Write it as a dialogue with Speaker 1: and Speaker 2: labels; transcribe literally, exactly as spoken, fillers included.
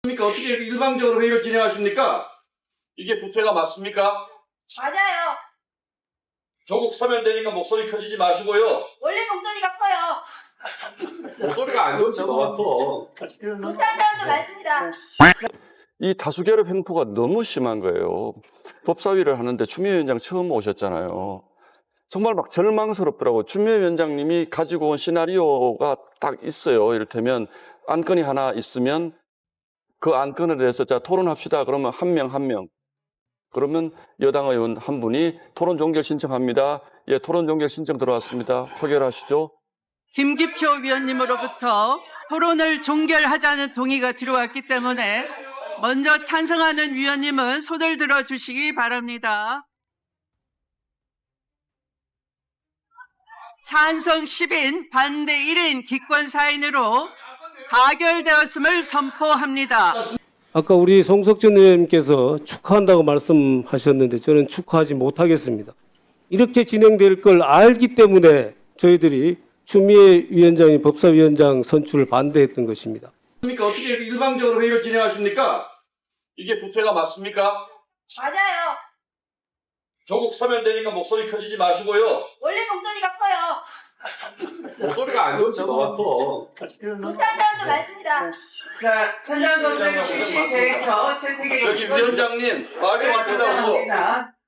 Speaker 1: 그러니까 어떻게 이렇게 일방적으로 회의를 진행하십니까? 이게 부채가 맞습니까?
Speaker 2: 맞아요.
Speaker 1: 조국 사면 되니까 목소리 켜지지 마시고요.
Speaker 2: 원래 목소리가 커요.
Speaker 1: 목소리가 안 좋지 너.
Speaker 2: 못하는 사람도 많습니다.
Speaker 3: 이 다수결합 횡포가 너무 심한 거예요. 법사위를 하는데 추미애 위원장 처음 오셨잖아요. 정말 막 절망스럽더라고요. 추미애 위원장님이 가지고 온 시나리오가 딱 있어요. 이를테면 안건이 하나 있으면 그 안건에 대해서 자 토론합시다. 그러면 한 명 한 명. 그러면 여당 의원 한 분이 토론 종결 신청합니다. 예, 토론 종결 신청 들어왔습니다. 표결하시죠.
Speaker 4: 김기표 위원님으로부터 토론을 종결하자는 동의가 들어왔기 때문에 먼저 찬성하는 위원님은 손을 들어 주시기 바랍니다. 찬성 십 인, 반대 일 인 기권 사 인으로 가결되었음을 선포합니다.
Speaker 5: 아까 우리 송석준 의원님께서 축하한다고 말씀하셨는데 저는 축하하지 못하겠습니다. 이렇게 진행될 걸 알기 때문에 저희들이 추미애 위원장이 법사위원장 선출을 반대했던 것입니다.
Speaker 1: 그러니까 어떻게 이렇게 일방적으로 회의를 진행하십니까? 이게 부채가 맞습니까?
Speaker 2: 맞아요.
Speaker 1: 조국 사면 되니까 목소리 켜지지 마시고요.
Speaker 2: 원래 목소리가 커요.
Speaker 1: 목소리가 안 좋지 너.
Speaker 2: 못하는 사람도 많습니다.
Speaker 4: 자, 현장 검증 실시 계획서 채택에
Speaker 1: 저기 위원장님 말이 맞추다 그거.